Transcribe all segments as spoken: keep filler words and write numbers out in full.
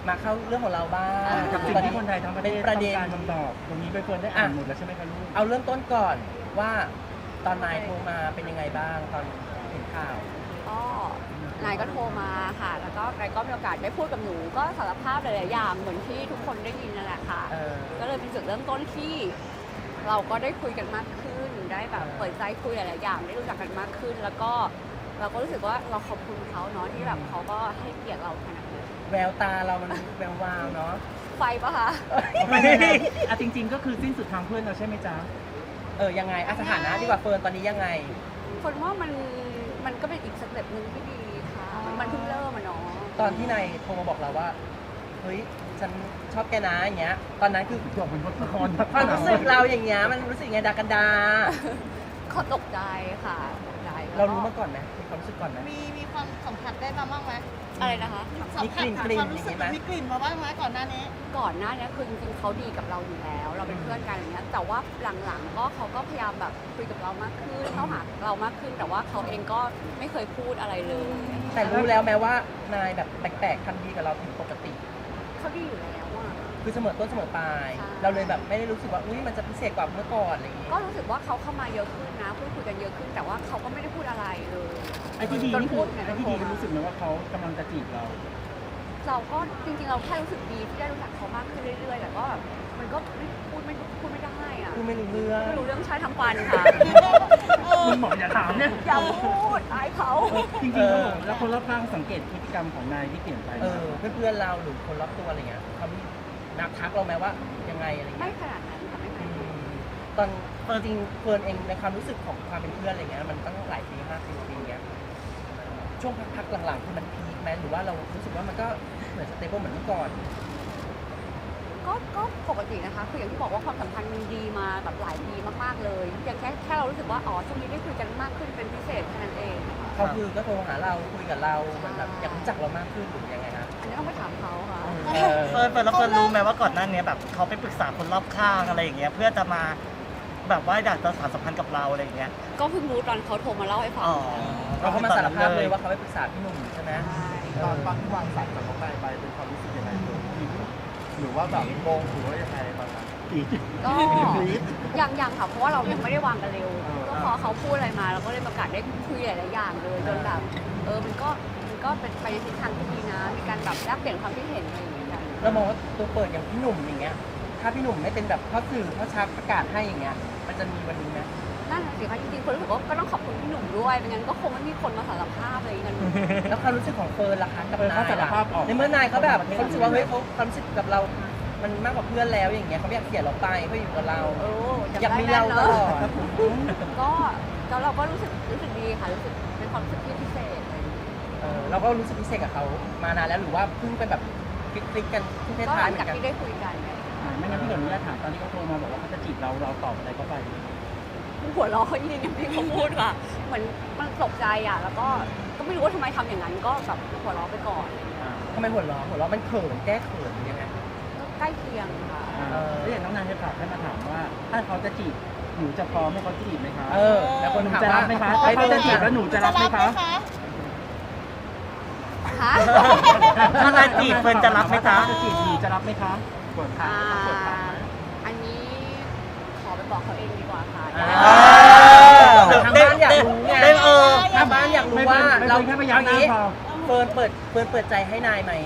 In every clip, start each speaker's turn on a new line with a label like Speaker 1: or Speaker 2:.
Speaker 1: มาเข้าเรื่องของเราบ้าง
Speaker 2: กับสิ่งที่คนไทยทั้งประเทศ
Speaker 1: ประ
Speaker 2: ต้
Speaker 1: เด็
Speaker 2: อน งการคำตอบตรงนี้ใบเฟิร์นได้อ่านหมดแล้วใช่ไหมคะลูก
Speaker 1: เอาเริ่มต้นก่อนว่าตอนนายโทรมาเป็นยังไงบ้างตอนเห็นข่าว
Speaker 3: ก็นายก็โทรมาค่ะ แล้วก็นายก็มีโอกาสได้พูดกับหนู ก็สารภาพหลายๆอย่างเหมือนที่ทุกคนได้ยินนั่นแหละค่ะ
Speaker 1: เออ
Speaker 3: ก็เลยเป็นจุดเริ่มต้นที่เราก็ได้คุยกันมากขึ้น ได้แบบเปิดใจคุยหลายๆอย่างได้รู้จักกันมากขึ้น แล้วก็เราก็รู้สึกว่าเราขอบคุณเขาเนาะที่แบบเขาก็ให้เกียรติเราขนาดนี้
Speaker 1: แววตาเรามันแวววาวเนาะ
Speaker 3: ไฟปะคะ
Speaker 2: อ่ะจริง ๆ ก็คือสิ้นสุดทางเพื่อนเราใช่ไหมจ๊ะ
Speaker 1: เออยังไงอ่ะสถานะดีกว่าเฟิร์นตอนนี้ยังไง
Speaker 3: คนว่ามันมันก็เป็นอีกสเต็ปหนึ่งที่ดีค่ะ มันเพิ่งเริ่มอะเนาะ
Speaker 1: ตอนที่นายโทรมาบอกเราว่าเฮ้ยฉันชอบแกนะอย่างเงี้ยตอนนั้นคือ
Speaker 2: จบเป็นบทละคร
Speaker 1: ความรู้สึกเราอย่างเงี้ยมันรู้สึกยังไงดากันดา
Speaker 3: เขาตกใจค่ะตกใจ
Speaker 1: เรารู้มาก่อนไหมมีความรู้สึกก่อนไหม
Speaker 4: มีมีความสัมผัสได้มาบ้างไหม
Speaker 3: อะไรนะคะ
Speaker 4: สัมผัส
Speaker 1: มีกลิ่น
Speaker 4: ความรู้สึก
Speaker 1: กลิ่นอย่างงี้ไหม
Speaker 4: มีกลิ่นมาบ้างไหมก่อนหน้านี้
Speaker 3: ก่อนหน้านี้คือจริงๆเขาดีกับเราอยู่แล้ว เราเป็นเพื่อนกันอย่างเงี้ยแต่ว่าหลังๆก็เขาก็พยายามแบบคุยกับเรามากขึ้นเข้าหาเรามากขึ้น แต่ว่าเขาเองก็ไม่เคยพูดอะไรเลย
Speaker 1: แต่รู้แล้วแม้ว่านายแบบแปลกๆทำดีกับเราผิดปกติ
Speaker 3: เขาดีอยู่แล้วอะ
Speaker 1: คือเสมอต้นเสมอปลาย
Speaker 3: ใช่
Speaker 1: เราเลยแบบไม่ได้รู้สึกว่าอุ้ยมันจะพิเศษกว่าเมื่อก่อนอะไรอย่างเงี้ย
Speaker 3: ก็รู้สึกว่าเขาเข้ามาเยอะขึ้นนะพูดคุยกันเยอะขึ้น แต่ว่าเขาก็ไม่ได้พูดอะไรเลย
Speaker 2: ไอ้ที่ดี
Speaker 3: จน
Speaker 2: นี่คื
Speaker 3: พู
Speaker 2: อ
Speaker 3: ดเนี่ย
Speaker 2: ไอ้ที่ดีรู้สึกไหมว่าเขากำลังจะจีบเรา
Speaker 3: เราก็จริงๆเราแค่รู้สึกดีที่ได้รู้จักเขามากขึ้นเรื่อยๆแต่ก็แบบมันก็ไม่พูดไม่พูดไม่ได้อะ
Speaker 1: พูดไม่รู้เรื่อง
Speaker 3: ไม่รู้เรื่องใช้ทำฟันค่ะ
Speaker 2: มึงบอกอย่าถามเนี่ย
Speaker 3: อย่าพูดอายเขา
Speaker 2: จริงๆเขาบอกแล้วคนรอบข้างสังเกตพฤติกรรมของนายที่เปลี่ยนไป
Speaker 1: เออเพื่อนๆเราหรือคนรอบตัวอะไรเงี้ยเขามีนักทักเราไหมว่ายังไงอะไร
Speaker 3: ไม่
Speaker 1: เงี้ย
Speaker 3: ขนาดนั้นค่ะไม่ข
Speaker 1: อื
Speaker 3: นาดนั้น
Speaker 1: มตอนตอนจริงเฟิร์นเองในความรู้สึกของความเป็นเพื่อนอะไรเงี้ยมันตั้งหลายปีห้าปีปีเงี้ยช่วงพักๆหลังๆคือมันพีคไหมหรือว่าเรารู้สึกว่ามันก็เหมือนสเตเบิลเหมือนเมื่อก่อน
Speaker 3: ก็ก็ปกตินะคะคืออย่างที่บอกว่าความสัมพันธ์มันดีมาแบบหลายปีมากๆเลยอย่างแค่แค่เรารู้สึกว่าอ๋อช่วงนี้ได้คุยกันมากขึ้นเป็นพิเศษแค่นั้นเองค่ะ
Speaker 1: เขาคือก็โทรหาเราคุยกับเราเหมือนแบบอยากรู้จักเรามากขึ้นหรือยังไงฮะ
Speaker 3: อันนี้ต้องไปถามเขาค่ะ
Speaker 1: เออ
Speaker 5: เฟิร์นเฟิร์นแล้วเฟิร์นรู้ไหมว่าก่อนหน้านี้แบบเขาไปปรึกษาคนรอบข้างอะไรอย่างเงี้ยเพื่อจะมาแบบว่าอยากจะสานสัมพันธ์กับเราอะไรอย่างเงี้ย
Speaker 3: ก็เพิ่งรู้ตอนเขาโทรมาเล่าให้ฟัง
Speaker 5: อ๋อ
Speaker 1: เราเขามาสารภาพเลยว่าเขาไปปรึกษาพี่หนุ่มใช่ไหม
Speaker 3: ใช่
Speaker 6: ตอนตอนที่วางสายจากน้องนายไปเป็นความรู้สึกยังไงหรือว่าแบบงงหรือว่ายังไงตอนนั้น
Speaker 3: ก็ยังยังค่ะเพราะว่าเรายังไม่ได้วางกันเร็ว ก็พอเขาพูดอะไรมาเราก็เลยประกาศได้คุยหลายๆอย่างเลยจนแบบเออมันก็มันก็เป็นไปในทิศทางที่ดีนะ มีการแบบแลกเปลี่ยนความคิดเห็นอะไรอย่างเงี้ยกัน
Speaker 1: เรามองว่าตัวเปิดอย่างพี่หนุ่มอย่างเงี้ย ถ้าพี่หนุ่มไม่เป็นแบบพ่อสื่อพ่อชักประกาศให้อย่างเงี้ย มันจะมีวันนี้ไหม
Speaker 3: นั่นน่ะสิคะจริงๆคนรู้สึกว่าก็ต้องขอบคุณพี่หนุ่มด้วยไม่งั้นก็คงไม่มีคนมาสารภาพอะไรกัน
Speaker 1: แล้วความรู้สึกของเฟิร์นล่ะคะกับ
Speaker 2: เออน
Speaker 1: าย
Speaker 2: เขาสาร
Speaker 1: ล่ะ
Speaker 2: ภาพออก
Speaker 1: ในเมื่อนายเขาแบบเขารู้สึกว่าเฮ้ยเขาความรู้สึกกับเรา มันมากกว่าเพื่อนแล้วอย่างเงี้ยเขาไม่อยากเสียเราไปเขาอยู่กับเรา
Speaker 3: โอ้
Speaker 1: อยากมีเราตลอด
Speaker 3: ก็แล้วเราก็รู้สึกรู้สึกดีค่ะรู้สึกเป็นความรู้สึกที่พิเศษอะไรอย่างเงี้ย
Speaker 1: เออเราก็รู้สึกพิเศษกับเขามานานแล้วหรือว่าเพิ่งเป็นแบบคลิกๆกันที่
Speaker 3: ก็ห
Speaker 1: ท้าย
Speaker 3: ลั
Speaker 1: ๆ
Speaker 3: ง
Speaker 1: เหมื
Speaker 3: จา
Speaker 1: อก นกัน
Speaker 3: ที่ได้คุยกันเนี่ย
Speaker 2: ไม่งั้นพี่ขออนุญาตถามตอนที่เขาโทรมาบอกว่าเขาจะจีบเราเราตอบอะไรเขาไป
Speaker 3: หัวเราะเขายิงอย่างที่เขาพูดค่ะเหมือนมันตกใจอ่ะแล้วก็ก็ไม่รู้ว่าทำไมทำอย่างนั้นก็แบบหัวเราะไปก่อน
Speaker 1: ทำไมหัวเราะหัวเราะมันเขินแก้เขินหรือยังไง
Speaker 3: ก็ใกล้เคียงค่ะ
Speaker 2: เออแล้วอย่างน้องนายจะฝากให้มาถามว่า ถ้าเขาจะจีบหนูจะพร้อมให้เขาจีบไหมคะ
Speaker 1: เออ แล้วคน
Speaker 2: หนู
Speaker 1: ถาม
Speaker 2: จะรั
Speaker 1: ว่า
Speaker 2: บไหมคะ
Speaker 1: เฮ้ย
Speaker 2: ถ้า
Speaker 1: พี่
Speaker 2: เขา
Speaker 1: จะ
Speaker 2: จะ
Speaker 1: จี
Speaker 2: จี
Speaker 1: บบ
Speaker 2: แล้วหนูจะรับไหมคะ
Speaker 3: ฮะ
Speaker 5: ถ้านายจีบเฟิร์นจะรับไหมจ๊ะ
Speaker 2: จะจีบหนูจะรับไหมคะ
Speaker 6: เปิดทา
Speaker 3: อ่าง
Speaker 6: เปิดทางไหม
Speaker 3: อันนี้ขอไปบอกเขาเองดีกว่าค่ะ
Speaker 1: อ่า
Speaker 5: เดี๋ยว
Speaker 1: ทางบ้านอยากรู้ไง
Speaker 5: ได้เออ
Speaker 1: ทางบ้านอยากรู้ว่า
Speaker 2: ไม่
Speaker 1: เรา
Speaker 2: เป็นแค่พยานหน้า
Speaker 1: นี้
Speaker 2: พอ
Speaker 1: เฟิร์นเปิดเฟิร์นเปิดใจให้นายไหม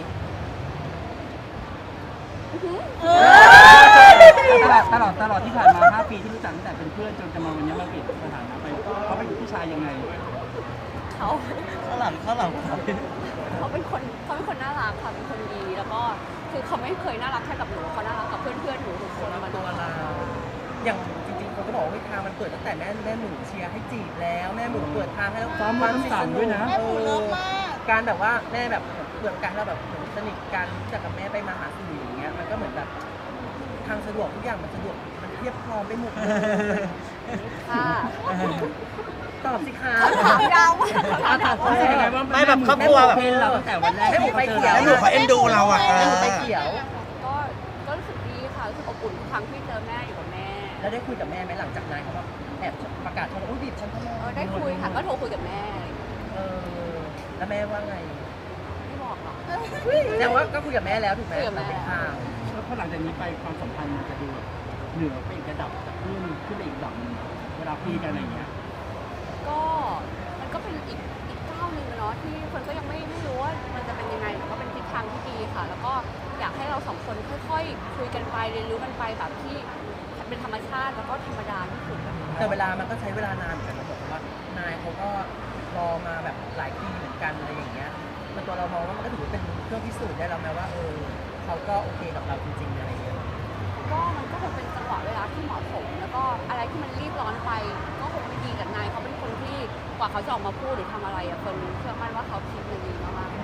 Speaker 2: ตลอดตลอดตลอดที่ผ่านมาห้าปีที่รู้จักตั้งแต่เป็นเพื่อนจนจะมาวันนี้มาเปลี่ยนสถานะไปเขาเป็นผู้ชายยังไง
Speaker 3: เขา
Speaker 5: ข้างหลังข้างหลัง
Speaker 3: เขาเป็นคนเขาเป็นคนน่ารักค่ะเป็นคนดี แล้วก็คือเขาไม่เคยน่ารักแค่กับหนูเขาน่ารักกับเพื่อนๆหนูทุกคนมา
Speaker 1: ตัวเราอย่างจริงๆคนก็บอกว่าเฮ้ยทางมันเปิดตั้งแต่แม่แม่หมูเชียร์ให้จีบแล้วแม่หมูเปิดทางให้แล้ว
Speaker 2: ซ้อมรถน้ำสั่นด้วยนะ
Speaker 4: แม่หมูเลิฟมาก
Speaker 1: การแบบว่าแม่แบบเปิดการเราแบบเหมือนสนิทกันรู้จักกับแม่ไปมาหาสู่อย่างเงี้ยมันก็เหมือนแบบทางสะดวกทุกอย่างมันสะดวกมันเทียบพร้อมไปหมดเลย
Speaker 3: ค่ะ
Speaker 1: ตอบสิคะ
Speaker 3: ถามยาวมาก
Speaker 2: อาถามเขาเป็นยังไงว่า
Speaker 5: ไม่แบบครอบครัวแบบ
Speaker 2: เป็นเราตั้งแต่วันแรก
Speaker 1: แม่หมู
Speaker 2: ที่
Speaker 1: ไป
Speaker 2: เขาเจอ
Speaker 1: เขียว
Speaker 2: เรา
Speaker 5: แม่หมูเขาเอ็นดูเราอะ
Speaker 1: แม่หมูไปเขียว
Speaker 3: ก็ก็รู้สึกดีค่ะรู้สึกอบอุ่นทุกครั้งที่เจอแม่อยู่กับแม่
Speaker 1: แล้วได้คุยกับแม่ไหมหลังจากนั้นเขาแบบแอบประกาศชนอุ้ยบีบฉันทำไม
Speaker 3: เออได้คุยค่ะก็โทรคุยกับแม่
Speaker 1: เออแล้วแม่ว่าไง
Speaker 3: ไม่บอกหรอก
Speaker 1: แสดงว่าก็คุยกับแม่แล้วถูกไหม
Speaker 3: คุยกับแม่
Speaker 1: เป็นข่าว
Speaker 2: แล้วพอหลังจากนี้ไปความสัมพันธ์มันจะดูแบบเหนือไปอีกระดับจากเพื่อนขึ้นไปอีกระดับหนึงเวลาคุยกันอะไรอย่างเงี้ย
Speaker 3: ก็มันก็เป็นอีกอีกก้าวหนึ่งอะเนาะที่คนก็ยังไม่ไม่รู้ว่ามันจะเป็นยังไงแต่ก็เป็นทิศทางที่ดีค่ะ แล้วก็อยากให้เราสองคนค่อยๆ คุยกันไปเรียนรู้กันไปแบบที่เป็นธรรมชาติแล้วก็ธรรมดาที่สุดอะ
Speaker 1: แต่เวลามันก็ใช้เวลานานเหมือนกันนะบอกว่านายเขาก็รอมาแบบหลายปีเหมือนกันอะไรอย่างเงี้ยมันตัวเรามองว่ามันก็ถือว่าเป็นเครื่องพิสูจน์ได้แล้วแม้ว่าเออเขาก็โอเคกับเราจริงๆอะไรอย่างเงี้ย
Speaker 3: ก็มันก็คงเป็นจังหวะเวลาที่เหมาะสม แล้วก็อะไรที่มันรีบร้อนไป ก็คงไม่ดีกับนายเขาเป็นคนที่กว่าเขาจะออกมาพูดหรือทำอะไรอะเฟิร์นเชื่อมั่นว่าเขาคิดมาดีมากๆ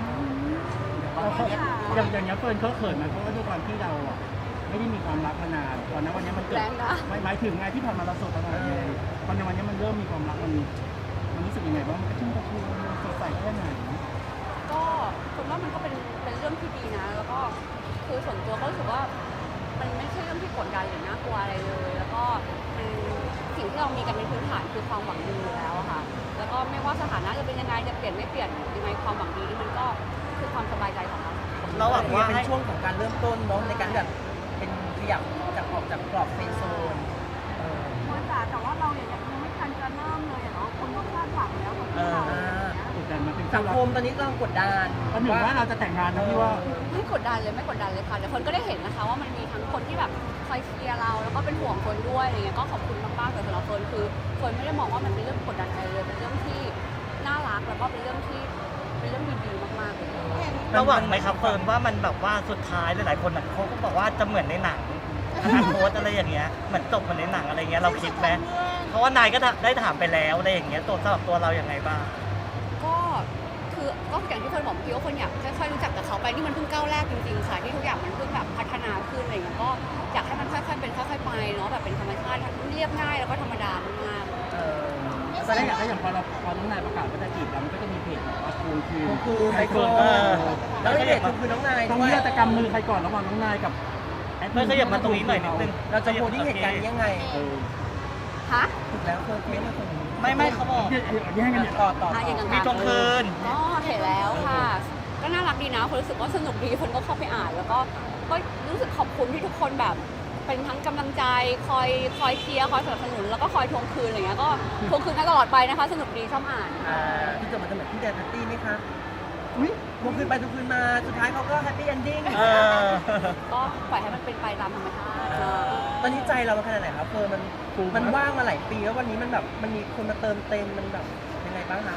Speaker 2: อย่างอย่างเงี้ยเฟิร์นเขาเขินไหมเพราะว่าด้วยความที่เราอ่ะไม่ได้มีความรักมานานตอนนั้นวันนี้มันเกิด
Speaker 3: แรงนะ
Speaker 2: หมายหมายถึงไงที่ผ่านมาเราโสดตลอดเลยตอนในวันนี้มันเริ่มมีความรักมันมันรู้สึกยังไงบ้างมันกระชุ่มกระชวยมันสดใสแค่ไหน
Speaker 3: ก็คนว่ามันก็เป็นเป็นเรื่องที่ดีนะ แล้วก็คือส่วนตัวก็รู้สึกว่ามันไม่ใช่เรื่องที่กดดันหรือน่ากลัวอะไรเลย แล้วก็มันสิ่งที่เรามีกันเป็นพื้นฐานคือความหวังดีอยู่แล้วอะค่ะ แล้วก็ไม่ว่าสถานะจะเป็นยังไงจะเปลี่ยนไม่เปลี่ยนยังไงความหวังดีนี่มันก็คือความสบายใจของเรา
Speaker 5: เราหวังว่า
Speaker 1: เป็น
Speaker 5: ให้
Speaker 1: ช่วงของการเริ่มต้นเนาะในการแบบเป็นขยับจากออกจากกรอบเฟรนด์โซนเออ
Speaker 3: มันแต่แต่ว่าเราอย่างยังไม่ทันจะเริ่มเลยเนาะคนก็คาดหวังแล้วคนที่เรา
Speaker 2: กดดันมาเป็น
Speaker 1: สั
Speaker 2: คู่
Speaker 1: ง
Speaker 2: รั
Speaker 1: ค
Speaker 2: ก
Speaker 1: มตอนนี้กำลังกดดัน
Speaker 2: ประหนึ่งว่าเราจะแต่งงานนะพี่ว่า
Speaker 3: ไม่กดดันเลยไม่กดดันเลยค่ะแต่คนก็ได้เห็นนะคะว่ามันมีทั้งคนที่แบบคอยเชียร์เราแล้วก็เป็นห่วงคนด้วยอะไรเงี้ยก็ขอบคุณมากๆแต่สำหรับเฟิร์นคือเฟิร์นไม่ได้มองว่ามันเป็นเรื่องกดดันอะไรเลยเป็นเรื่องที่น่ารักแล้วก็เป็นเรื่องที่เป็นเรื่องดีๆมากๆเลย
Speaker 5: เราหวังไหมครับเฟิร์นว่ามันแบบว่าสุดท้ายหลายๆคนน่ะเขาก็บอกว่าจะเหมือนในหนังอนาคตอะไรอย่างเงี้ยเหมือนจบเหมือนในหนังอะไรเงี้ยเราคิดไหมเพราะว่านายก็ได้ถามไปแล้วอะไรอย่างเงี้ยตัวสำหรับตัวเราอย่างไรบ้าง
Speaker 3: ก็คือก็อย่างที่เฟิร์นบอกเมื่อกี้ว่าคนอยากค่อยๆรู้จักกับเขาไปนี่มันเพิ่งก้าวแรกจริงๆค่ะที่ทุกอย่างมันเพิ่งแบบพัฒนาขึ้นอะไรเงี้ยก็อยากให้มันค่อยๆเป็นค่อยๆไปเนาะแบบเป็นธรรมชาติเรียบง่ายแล้วก็ธรรมดามากๆ
Speaker 1: เออ
Speaker 2: ตอนแรกอยากให้อย่างพอเราพอน้องนายประกาศว่าจะจีบเรามันก็จะมีเพจแบบว่าทวงคืน
Speaker 1: ทวงคืน
Speaker 2: ใคร
Speaker 1: เฟิ
Speaker 2: เฟิ
Speaker 1: ร์
Speaker 2: ร์
Speaker 1: น
Speaker 2: น
Speaker 1: เอ
Speaker 2: ก็
Speaker 1: อ แล้วก็เด็ดคือน้องนาย
Speaker 2: ต้อง
Speaker 1: ด้วย
Speaker 2: เลือกจะกำมือใครก่อนระหว่างน้องนายกับแอด
Speaker 5: เพื่อนขยับมาตรงนี้หน่อยนิดนึง
Speaker 1: เราจะโพสต์ที่เหตุการณ์นี้ยังไง
Speaker 2: เออ
Speaker 3: ฮะ
Speaker 1: ถูกแล้วเฟิร์นเฟิร์นคนนี้
Speaker 5: ไม่ไม่เขาบอก
Speaker 2: แย่งกันเนี่ย
Speaker 1: ต่อต่อ
Speaker 3: อ่ะอย่าง
Speaker 1: ต่อ
Speaker 3: นั้น
Speaker 5: มีทวงคืน
Speaker 3: ก็เห็นแล้วค่ะ ก็น่ารักดีนะคนรู้สึกว่าสนุกดีคนก็เข้าไปอ่าน แล้วก็ก็รู้สึกขอบคุณที่ทุกคนแบบ เป็นทั้งกำลังใจคอยคอยเชียร์คอยสนับสนุนแล้วก็คอยทวงคืนอะไรเงี้ยก็ทวงคืนกันตลอดไปนะคะ สนุกดีชอบอ่าน
Speaker 1: อ่าที่จะมาจะเหมือนที่แดนแพตตี้ไหมคะอุ้ยทวงคืนไปทวงคืนมา สุดท้ายเขาก็แฮปปี้เอนดิ้ง
Speaker 5: เออ
Speaker 3: ก็ปล่อยให้มันเป็นไปตามธรรมชาติเนอะ
Speaker 1: ตอนนี้ใจเรามันขนาดไหนครับเฟิร์นมันมันว่างมาหลายปีแล้ววันนี้มันแบบมันมีคนมาเติมเต็มมันแบบยังไงบ้างคะ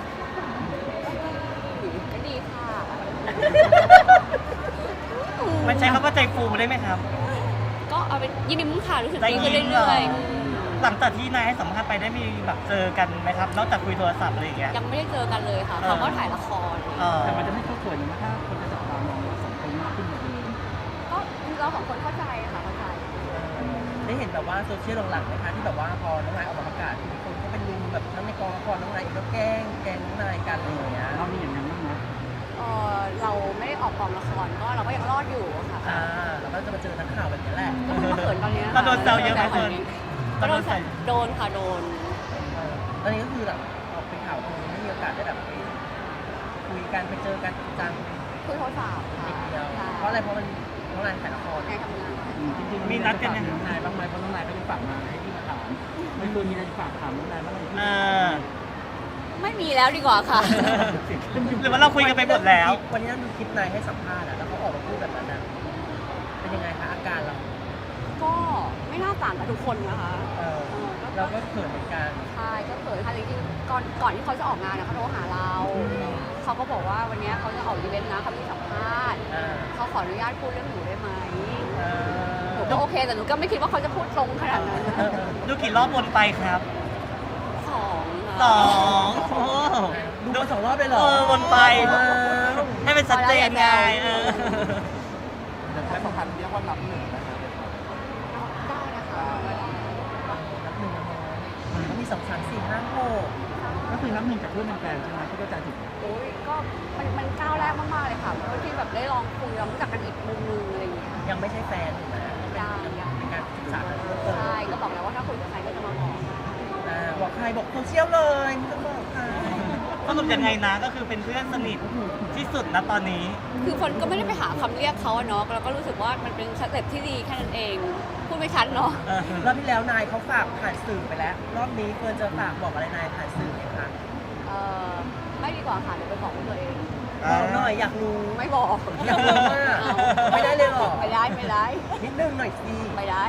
Speaker 3: ก็ดีค่ะ
Speaker 5: มันใช้คำว่าใจฟูได้ไหมครับ
Speaker 3: ก็เอาเป็นยินดีมุ้งค่ะรู้สึก
Speaker 5: ได้
Speaker 3: ดี
Speaker 5: ยิ
Speaker 3: ขึ้น
Speaker 5: นเหรอ
Speaker 3: เรื่อยๆอืม
Speaker 5: หลังจากที่นายให้สัมภาษณ์ไปได้มีแบบเจอกันไหมครับ นอกจากคุยโทรศัพท์อะไรอย่างเงี้ย
Speaker 3: ยังไม่ได้เจอกันเลยค่ะ
Speaker 5: เออ
Speaker 3: เขาก็ถ่ายละคร
Speaker 5: เออ
Speaker 2: แต่มันจะไม่เข้าเขินนะถ้าคนจะจับตามองเราสองคนมากขึ้นกว่าเดิม
Speaker 3: ก็เราสองคนเข้าใจค่ะเข้าใจ
Speaker 1: ได้เห็นแบบว่าโซเชียลหลังๆไหมคะที่แบบว่าพอน้องนายออกมาประกาศมีคนก็เป็นลุมแบบทั้งในกองละครน้องนายเองก็แกล้งแกล้งน้องนายกันอะไรอย่างเงี้ย
Speaker 2: เรามีอย่างนั้นบ้างไหม
Speaker 3: เออเราไม่ได้ออกกองละครก็เราก็ยังรอดอยู่อะค่ะ
Speaker 1: อ่าแล้วก็จะมาเจอนักข่าวแบบนี้แหละ
Speaker 3: ก็เพิ่งมาเขินตอนนี้
Speaker 5: เราโดนแซวเยอะไหมเฟิร์น
Speaker 3: ก็โดนแซวโดนค่ะโดน
Speaker 1: เออตอนนี้ก็คือแบบออกเป็นข่าวคือไม่มีโอกาสได้แบบไปคุยกันไปเจอกันจริงจัง
Speaker 3: คุยโทรศัพท์ค่ะ
Speaker 1: นิดเดียว
Speaker 3: ใช่
Speaker 1: เพราะอะไรเพราะมันน้องนายถ่ายละคร
Speaker 3: ในทำงาน
Speaker 2: อืมจริงๆ
Speaker 5: มีนัดกันยัง
Speaker 2: น้องนายบ้างไหมเพราะน้องนายก็จะฝากมาให้พี่มาถามไม่ควรมีอะไรจะฝากถามน้องนายบ้างไหม
Speaker 5: เออ
Speaker 3: ไม่มีแล้วดีกว่าค่ะ
Speaker 5: หรือว่าเราคุยกันไปหมดแล้ว
Speaker 1: วันนี้เราดูคลิปนายให้สัมภาษณ์อะแล้วเขาออกมาพูดแบบนั้นอะเป็นยังไงคะอาการเรา
Speaker 3: ก็ไม่น่าต่างกับทุกคนนะคะ
Speaker 1: เออ
Speaker 3: เออก็
Speaker 1: เราก็เขินเหมือนกัน
Speaker 3: ใช่ก็เขินค่ะจริงๆก่อนก่อนที่เขาจะออกงานนะเขาโทรหาเรา เขาก็บอกว่าวันนี้เขาจะออกอีเวนต์นะเขามีสัมภาษณ์
Speaker 1: อ่า
Speaker 3: เขาขออนุญาตพูดเรื่องหนูได้ไหม
Speaker 1: เอ
Speaker 3: หนู
Speaker 1: อ
Speaker 3: ก็โอเคแต่หนูก็ไม่คิดว่าเขาจะพูดตรงขนาดนั้น
Speaker 1: เออเออ
Speaker 5: ดูกี่รอบวนไปครับ
Speaker 3: สอง
Speaker 5: ส
Speaker 3: ค่ะ
Speaker 5: องโอ้
Speaker 1: ดูมาสองรอบเลยเหรอ
Speaker 5: เออวนไป
Speaker 1: ว้าว
Speaker 5: ให้เป็นชัดเจนไงเออ
Speaker 6: แต่ความสัมพันธ์เรียกว่านับหนึ่งนะครับ
Speaker 3: ได้นะคะ
Speaker 1: นับหนึ่งนะเขามีสองสามสี่ห้าหก
Speaker 2: ก็คือน้ำหนึ่งจากเพื่อนเป็นแฟนใช่ไหมที่เข้าใจถูก
Speaker 3: โอ้ยก็มันมันก้าวแรกมากๆเลยค่ะเพื่อที่แบบได้ลองคุยเรารู้จักกันอีกมุมนึงอะไรอย่างเงี้ย
Speaker 1: ยังไม่ใช่แฟนถูกไหม
Speaker 3: ยังยัง
Speaker 1: เป็นการศึกษากันเพิ่มเติม
Speaker 3: ใช่ก็บอกแล้วว่าถ้าคุยกับใครก็จะมาบอก
Speaker 1: อ่าบอกใครบอกโซเชียลเลยไม่ต้องบอกใคร
Speaker 5: สรุปยังไงนะก็คือเป็นเพื่อนสนิทที่สุดนะตอนนี้
Speaker 3: คือคนก็ไม่ได้ไปหาคำเรียกเขาอะเนาะแล้วก็รู้สึกว่ามันเป็นสเต็ปที่ดีแค่นั้นเองพูดไม่ชัดเนาะ
Speaker 5: เออ
Speaker 1: รอบที่แล้วนายเขาฝากผ่านสื่อไปแล้ว รอบนี้เฟิร์นจะฝากบอกอะไรนายผ่านสื่อไหมคะ
Speaker 3: เออไม่ดีกว่าค่ะเดี๋ยวไปบอกตัวเอง
Speaker 1: บอกหน่อยอยากรู้
Speaker 3: ไม่บอก
Speaker 1: อยากรู้ว่าไม่ได้เลยเหรอ
Speaker 3: ไม่ได้ไม่ได้
Speaker 1: นิดนึงหน่อยสิ
Speaker 3: ไม่ได้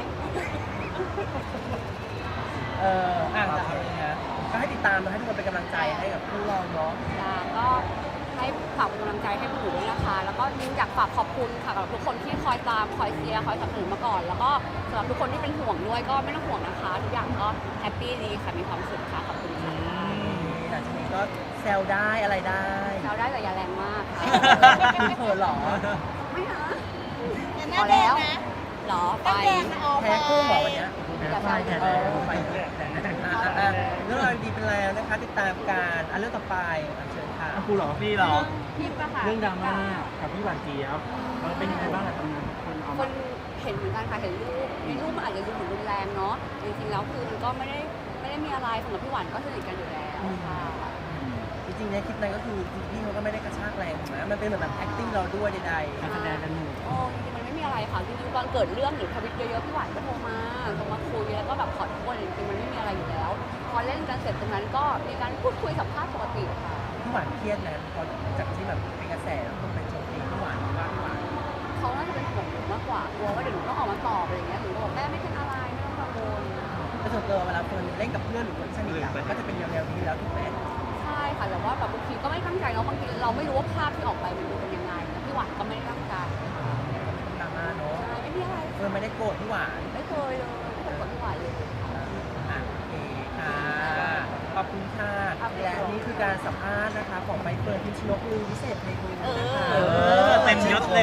Speaker 1: เอออ่างจากนี้นะก็ให้ติดตามนะให้ทุกคนเป็นกำลังใจให้กับคู่เราเนาะ
Speaker 3: จ้าก็ให้ฝากเป็นกำลังใจให้พวกหนูด้วยนะคะ แล้วก็ยิ่งอยากฝากขอบคุณค่ะกับทุกคนที่คอยตามคอยเชียร์คอยสนับสนุนมาก่อน แล้วก็สำหรับทุกคนที่เป็นห่วงด้วยก็ไม่ต้องห่วงนะคะ ทุกอย่างก็แฮปปี้ดีค่ะมีความสุขค่ะขอบคุณค่ะ
Speaker 1: หลังจากนี้ก็แซวได้อะไรได้
Speaker 3: เราได้แต่อย่าแรงมากค่ะ
Speaker 1: เขินเหรอ
Speaker 3: ไม่นะ
Speaker 4: แต่ห
Speaker 3: พ
Speaker 4: น้า
Speaker 3: อ
Speaker 4: แด
Speaker 3: แล้
Speaker 4: ง
Speaker 3: ว
Speaker 4: นะ
Speaker 3: เหรอไป
Speaker 4: หน้าแดงนะออก
Speaker 1: แพ้คู่เหรอวันเนี้ย
Speaker 3: อย่าแซวอย่า
Speaker 1: เอ
Speaker 3: แซ
Speaker 1: อ
Speaker 3: ว
Speaker 1: ไปอ่ะอ่ะเรื่องราวดีเป็นแล้วนะคะ ติดตามการอ่ะเรื่องต่อไปอ่ะเชิญค่ะ
Speaker 2: อ่ะครูเหรอ
Speaker 5: นี่เหรอ
Speaker 3: พิมพ์ปะค่ะ
Speaker 2: เรื่องดราม่ากับพี่หวานเจี๊ยบมันเป็นยังไงบ้างอะตอนนั้นคนเอา
Speaker 3: ค
Speaker 2: มาน
Speaker 3: เห็นเหมือนกันค่ะเห็นรูปในรูปมันอาจจะดูเหมือนรุนแรงเนาะจริงๆแล้วคือมันก็ไม่ได้ไม่ได้มีอะไรสำหรับพี่หวานก็สนิทกันอยู่แล้วค่ะ
Speaker 1: จริงๆในคลิปนั้นก็คือจริงๆพี่เขาก็ไม่ได้กระชากแรงถูกไหมมันเป็นเหมือนแบบ acting เราด้วยใด
Speaker 2: การแสดงกันหนู
Speaker 3: โอ้จริงๆมันไม่มีอะไรค่ะจริงๆตอนเกิดเรื่องหรือทวิตเยอะๆพี่หวานก็โทรมาโทรมาคุยแล้วก็แบบขอโทษจริงๆมันไม่มีอะไรอยู่แล้ว พอเล่นกันเสร็จตรงนั้นก็มีการพูดคุยสัมภาษณ์ปกติค่ะ
Speaker 1: ๆพี่หวานเครียดนะพอจากที่แบบเป็นกระแสแล้วคนไปโจมตีพี่หวานว่าพี่หวาน
Speaker 3: เขาน่าจะเป็นห่วงหนูมากกว่ากลัวว่าเดี๋ยวหนูต้องออกมาตอบอะไรอย่างเงี้ยหนูก็บอกแม่ไม่เป็นอะไรไม่ต้องกังวล
Speaker 1: แต่ส่วนตัวเวลาเฟิร์นเล่นกับเพื่อนหรือคนสนิทอะมันก็จะเป็นแนวๆนี้แล้วถูกไหม
Speaker 3: ใช่ค่ะแต่ว่าแบบบางทีก็ไม่ตั้งใจเนาะบางทีเราไม่รู้ว่าภาพที่ออกไปมันดูเป็นยังไงแต่พี่หวานก็ไม่ได้ตั้งใจ
Speaker 1: ดราม่าเนาะ
Speaker 3: ใช่ไม่มีอะไร
Speaker 1: เฟิร์นไม่ได้โกรธพี่หวาน
Speaker 3: ไม่เคยเลยไม่เคยกดพี่หวานเลย
Speaker 1: อ่ะโอเคค่ะ ขอบคุณค่ะ
Speaker 3: ครับ
Speaker 1: และนี่คือการสัมภาษณ์นะคะของใบเฟิร์นพิมชนกลือวิเศษเพลง
Speaker 3: เอ
Speaker 1: นะคะ
Speaker 3: อ
Speaker 5: เออเต็มยศเลย